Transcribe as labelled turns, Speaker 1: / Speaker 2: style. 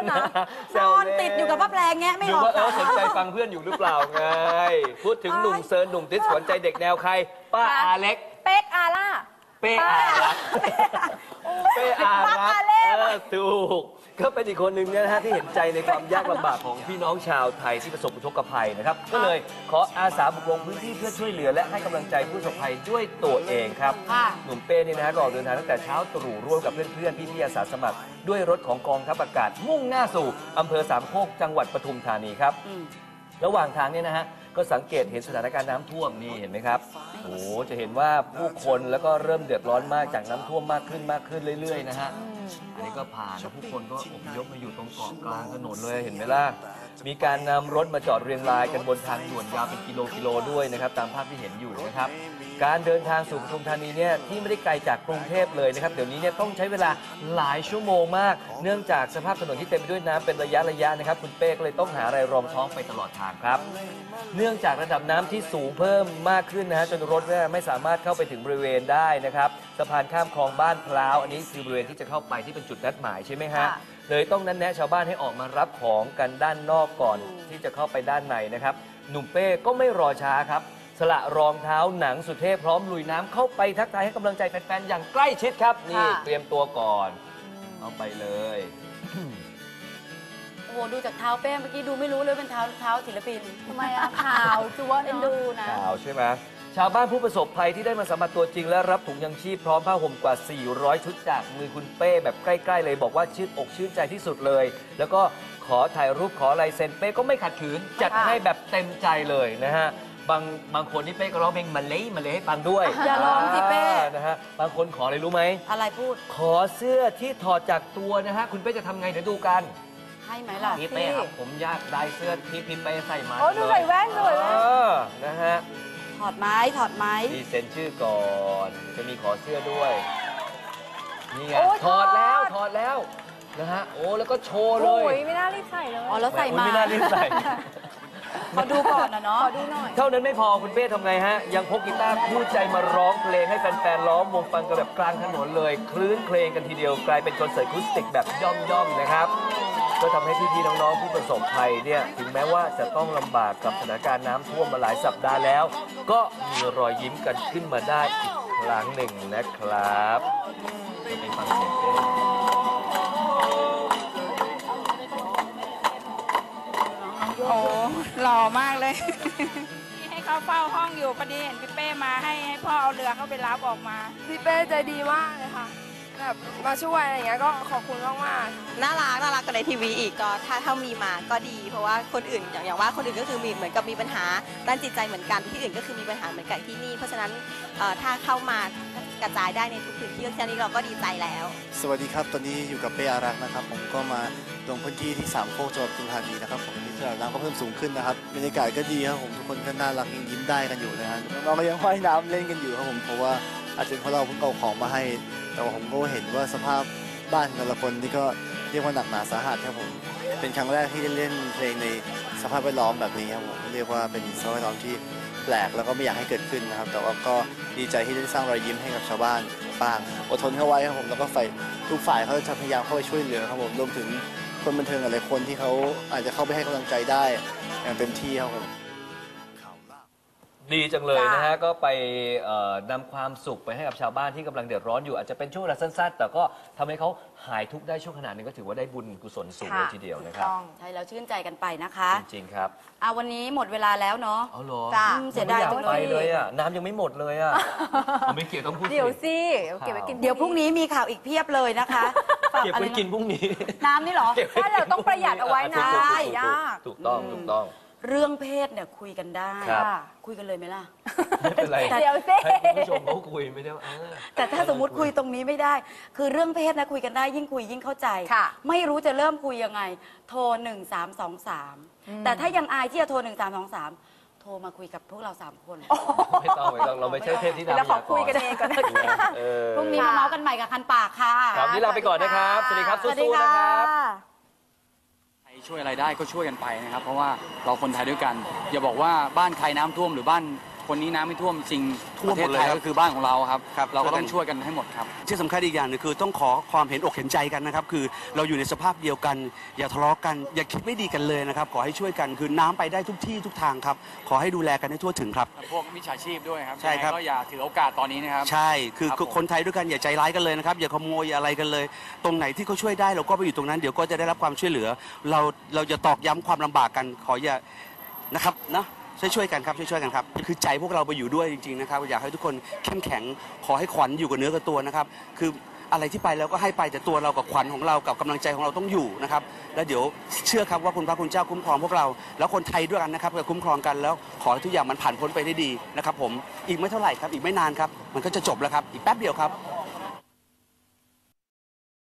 Speaker 1: นอนติดอยู่กับพระแปลงแงะไม่ออก
Speaker 2: ดูว่าสนใจฟังเพื่อนอยู่หรือเปล่าไงพูดถึงหนุ่มเซิร์นหนุ่มติสขวัญใจเด็กแนวใครป้าอาเล็ก
Speaker 3: เป๊กอาล่า
Speaker 2: เป้อารักเป้อารักถูกก็เป็นอีกคนหนึ่งนะฮะที่เห็นใจในความยากลำบากของพี่น้องชาวไทยที่ประสบอุทกภัยนะครับก็เลยขออาสาบุกลงพื้นที่เพื่อช่วยเหลือและให้กำลังใจผู้ประสบภัยด้วยตัวเองครับหนุ่มเป้นี่นะฮะก็ออกเดินทางตั้งแต่เช้าตรู่ร่วมกับเพื่อนๆพี่ๆอาสาสมัครด้วยรถของกองทัพอากาศมุ่งหน้าสู่อำเภอสามโคกจังหวัดปทุมธานีครับระหว่างทางเนี่ยนะฮะก็สังเกตเห็นสถานการณ์น้ำท่วมนี่เห็นไหมครับโอ้จะเห็นว่าผู้คนแล้วก็เริ่มเดือดร้อนมากจากน้ำท่วมมากขึ้นเรื่อยๆนะฮะอันนี้ก็ผ่านแล้วผู้คนก็อพยพมาอยู่ตรงเกาะกลางถนนเลยเห็นไหมล่ะมีการนำรถมาจอดเรียงรายกันบนทางด่วนยาวเป็นกิโลด้วยนะครับตามภาพที่เห็นอยู่นะครับการเดินทางสู่ปทุมธานีเนี่ยที่ไม่ได้ไกลจากกรุงเทพเลยนะครับเดี๋ยวนี้เนี่ยต้องใช้เวลาหลายชั่วโมงมากเนื่องจากสภาพถนนที่เต็มไปด้วยน้ำเป็นระยะนะครับคุณเป้ก็เลยต้องหาอะไรรองท้องไปตลอดทางครับเนื่องจากระดับน้ำที่สูงเพิ่มมากขึ้นนะฮะจนรถไม่สามารถเข้าไปถึงบริเวณได้นะครับสะพานข้ามคลองบ้านพร้าวอันนี้คือบริเวณที่จะเข้าไปที่เป็นจุดนัดหมายใช่ไหมฮะเลยต้องนัดแนะชาวบ้านให้ออกมารับของกันด้านนอกก่อนที่จะเข้าไปด้านในนะครับหนุ่มเป้ก็ไม่รอช้าครับสละรองเท้าหนังสุเทพพร้อมลุยน้ำเข้าไปทักทายให้กำลังใจแฟนๆอย่างใกล้ชิดครับนี่เตรียมตัวก่อนเอาไปเลย
Speaker 1: โอ้โหดูจากเท้าเป้เมื่อกี้ดูไม่รู้เลยเป็นเท้าศิลปิน
Speaker 3: ทำไมอะข่าวจัวเอ็นดูนะ
Speaker 2: ข่าวใช่ไหมชาวบ้านผู้ประสบภัยที่ได้มาสัมผัสตัวจริงและรับถุงยังชีพพร้อมผ้าห่มกว่า400ชุดจากมือคุณเป้แบบใกล้ๆเลยบอกว่าชื่นอกชื่นใจที่สุดเลยแล้วก็ขอถ่ายรูปขอลายเซ็นเป้ก็ไม่ขัดขืนจัดให้แบบเต็มใจเลยนะฮะบางคนนี่เป้ก็ร้องเพลงมาเลยให้ฟังด้วย
Speaker 1: อย่าร้องสิเป้
Speaker 2: นะฮะบางคนขออะไรรู้ไหม
Speaker 1: อะไรพูด
Speaker 2: ขอเสื้อที่ถอดจากตัวนะฮะคุณเป้จะทำไงเดี๋ยวดูกัน
Speaker 1: ให้ไหมล่ะ
Speaker 2: พี่เป้ครับผมอยากได้เสื้อที่พี่เป้ใส่มา
Speaker 3: โอ้ดูใส่แว่นด้วย
Speaker 2: นะฮะ
Speaker 1: ถอดไม้
Speaker 2: ดีเซ็นชื่อก่อนจะมีขอเสื้อด้วยนี่ไงถอดแล้วนะฮะโอ้แล้วก็โชว์เลย
Speaker 3: โอ้ยไม่น่ารีบใส่เลย
Speaker 1: อ๋อแล้วใส่มา
Speaker 2: ไม่น่ารีบใส่
Speaker 1: ขอดูก่อนนะเนาะ
Speaker 3: ขอดูหน่อย
Speaker 2: เท่านั้นไม่พอคุณเป้ทำไงฮะยังพกกีตาร์คู่ใจมาร้องเพลงให้แฟนๆล้อมวงฟังกันแบบกลางถนนเลยคลื่นเพลงกันทีเดียวกลายเป็นคอนเสิร์ตอะคูสติกแบบย่อมนะครับก็ทำให้พี่ๆน้องๆผู้ประสบภัยเนี่ยถึงแม้ว่าจะต้องลำบากกับสถานการณ์น้ำท่วมมาหลายสัปดาห์แล้วก็มีรอยยิ้มกันขึ้นมาได้อีกครั้งหนึ่งนะครับไปฟังเสียงเต้น
Speaker 4: โอ้หล่อมากเลยให้เขาเฝ้าห้องอยู่พอดีเห็นพี่เป้มาให้พ่อเอาเรือเข้าไปรับออกมา
Speaker 3: พี่เป้ใจดีมากเลยค่ะแบบมาช่วยอะไรอย่างเงี้ยก็ขอบคุณมาก
Speaker 5: ๆน่ารักกันในทีวีอีกก็ถ้ามีมาก็ดีเพราะว่าคนอื่นอย่างว่าคนอื่นก็คือมีเหมือนกับมีปัญหาด้านจิตใจเหมือนกันที่อื่นก็คือมีปัญหาเหมือนกันที่นี่เพราะฉะนั้นถ้าเข้ามากระจายได้ในทุกพื้นที่แค่นี้เราก็ดีใจแล้ว
Speaker 6: สวัสดีครับตอนนี้อยู่กับเป้อารักษ์นะครับผมก็มาลงพื้นที่ที่สามโคกจังหวัดปทุมธานีนะครับผมที่ระดับน้ำก็เพิ่มสูงขึ้นนะครับบรรยากาศก็ดีครับผมทุกคนก็น่ารักยังยิ้มได้กันอยู่นะฮะน้องก็ยังว่ายน้ำเล่นกันอยู่ครับผมเพราะว่าอาจจะเพราะเราเพิ่งเอาของมาให้แต่ว่าผมก็เห็นว่าสภาพบ้านแต่ละคนนี่ก็เรียกว่าหนักหนาสาหัสครับผมเป็นครั้งแรกที่ได้เล่นเพลงในสภาพแวดล้อมแบบนี้ครับผมเรียกว่าเป็นสภาพแวดล้อมที่แปลกแล้วก็ไม่อยากให้เกิดขึ้นนะครับแต่ว่าก็ดีใจที่ได้สร้างรอยยิ้มให้กับชาวบ้านบ้างอดทนเข้าไว้ครับผมแล้วก็ทุกฝ่ายเขาจะพยายามเข้าไปช่วยเหลือครับผมรวมถึงคนบันเทิงหลายคนที่เขาอาจจะเข้าไปให้กำลังใจได้อย่างเต็มที่ครับผม
Speaker 2: ดีจังเลยนะฮะก็ไปนำความสุขไปให้กับชาวบ้านที่กำลังเดือดร้อนอยู่อาจจะเป็นช่วงเวลาสั้นๆแต่ก็ทำให้เขาหายทุกข์ได้ช่วงขนาดนึงก็ถือว่าได้บุญกุศลสูงเลยทีเดียวนะครับ
Speaker 1: ใช่แล้วชื่นใจกันไปนะคะ
Speaker 2: จริงๆครับ
Speaker 1: วันนี้หมดเวลาแล้วเนาะ
Speaker 2: เอาเหรอ
Speaker 1: เสียดายจัง
Speaker 2: เลยอ่ะน้ำยังไม่หมดเลยอ่ะไม่เกี่ยวต้องพูด
Speaker 3: เดี๋ยวสิเก็บไว้กิน
Speaker 1: เดี๋ยวพรุ่งนี้มีข่าวอีกเพียบเลยนะคะ
Speaker 2: เก็บไว้กินพรุ่งนี้
Speaker 1: น้ำนี่เหรอ
Speaker 3: ถ้าเราต้องประหยัดเอาไว้นะ
Speaker 2: ยากถูกต้อง
Speaker 1: เรื่องเพศเนี่ยคุยกันได้คุยกันเลยไหมล่ะ
Speaker 2: ไม่เป็นไร
Speaker 3: เดี๋ยวสิ
Speaker 2: คุณผู้ชมเขาคุยไม่ได้
Speaker 1: แต่ถ้าสมมติคุยตรงนี้ไม่ได้คือเรื่องเพศนะคุยกันได้ยิ่งคุยยิ่งเข้าใจไม่รู้จะเริ่มคุยยังไงโทร1323แต่ถ้ายังอายที่จะโทร1323โทรมาคุยกับพวกเรา3คน
Speaker 2: ไม่ต้องเราไม่ใช่เทพที่ดาว
Speaker 3: เราขอคุยกันเองก่อน
Speaker 1: พรุ่งนี้มาเมาส์กันใหม่กับคันปากค่ะ
Speaker 2: ครับนี้ลาไปก่อนนะครับสวัสดีครับสู้ๆนะครับ
Speaker 7: ช่วยอะไรได้ก็ช่วยกันไปนะครับเพราะว่าเราคนไทยด้วยกันอย่าบอกว่าบ้านใครน้ำท่วมหรือบ้านคนนี้น้ำไม่ท่วมจริง
Speaker 8: ท่วม
Speaker 7: ประเท
Speaker 8: หม
Speaker 7: ศ
Speaker 8: ดเลย
Speaker 7: ไทย
Speaker 8: ครับ
Speaker 7: ก็คือบ้านของเราครับ
Speaker 8: ครับ
Speaker 7: เราก็ต้องช่วยกันให้หมดครับ
Speaker 8: ที่สำคัญอีกอย่างหนึงคือต้องขอความเห็นอกเห็นใจกันนะครับคือเราอยู่ในสภาพเดียวกัน อย่าทะเลาะกันอย่าคิดไม่ดีกันเลยนะครับขอให้ช่วยกันคือน้ำไปได้ทุกที่ทุกทางครับขอให้ดูแลกันให้ทั่วถึงครับ
Speaker 7: พวกมิจฉาชีพด้วยครับ
Speaker 8: ใช่ครับ
Speaker 7: ยังไงก็อย่าถือโอกาสตอนนี้นะครับ
Speaker 8: ใช่คือ
Speaker 7: ครับผม
Speaker 8: คนไทยด้วยกันอย่าใจร้ายกันเลยนะครับอย่าขโมยอะไรกันเลย ตรงไหนที่เขาช่วยได้เราก็ไปอยู่ตรงนั้นเดี๋ยวก็จะได้รับความช่วยเหลือ เราจะตอกย้ำความลำบากกันขออย่านะครับนะช่วยกันครับช่วยกันครับคือใจพวกเราไปอยู่ด้วยจริงๆนะครับอยากให้ทุกคนเข้มแข็งขอให้ขวัญอยู่กับเนื้อกับตัวนะครับคืออะไรที่ไปแล้วก็ให้ไปแต่ตัวเรากับขวัญของเรากับกำลังใจของเราต้องอยู่นะครับแล้วเดี๋ยวเชื่อครับว่าคุณพระคุณเจ้าคุ้มครองพวกเราแล้วคนไทยด้วยกันนะครับจะคุ้มครองกันแล้วขอให้ทุกอย่างมันผ่านพ้นไปได้ดีนะครับผมอีกไม่เท่าไหร่ครับอีกไม่นานครับมันก็จะจบแล้วครับอีกแป๊บเดียวครับ